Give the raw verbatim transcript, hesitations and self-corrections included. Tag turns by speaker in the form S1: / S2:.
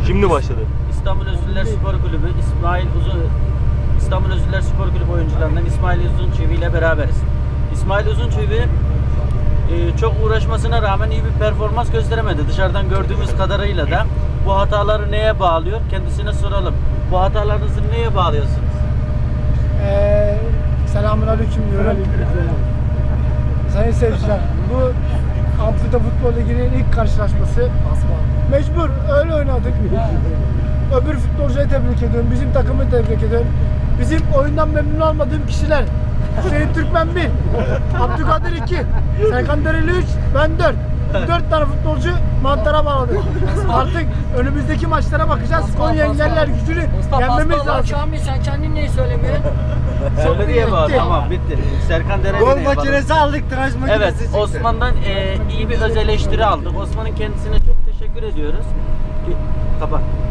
S1: Şimdi başladı.
S2: İstanbul Özürler Spor Kulübü, İsmail Uzun İstanbul Özürler Spor Kulübü oyuncularından İsmail Uzunçevi ile beraberiz. İsmail Uzunçevi e, çok uğraşmasına rağmen iyi bir performans gösteremedi. Dışarıdan gördüğümüz kadarıyla da bu hataları neye bağlıyor? Kendisine soralım. Bu hatalarınızı neye bağlıyorsunuz?
S3: Ee, Selamünaleyküm diyorum. Sayın seyirciler, bu Amputa Futbol Ligi'nin ilk karşılaşması. Mecbur, öyle oynadık. Öbür futbolcuyu tebrik ediyorum, bizim takımı tebrik ediyorum. Bizim oyundan memnun olmadığım kişiler: Hüseyin Türkmen bir, Abdülkadir iki, Serkan Dereli üç, ben dört. Dört tane futbolcu mantara bağladık. Artık önümüzdeki maçlara bakacağız. Konya Engeller gücünü yenmemiz lazım.
S4: Kamil, sen kendin neyi söylemiyorsun?
S2: Söyle diye bağlı.
S3: bitti.
S2: Tamam, bitti. Serkan Dereli
S5: Gol
S2: neye bağlı?
S5: makinesi aldık, tıraş makinesi
S2: Evet,
S5: çıktı.
S2: Osman'dan e, iyi bir öz eleştiri aldık. Osman'ın kendisine çok teşekkür ediyoruz. Ki- Kapat.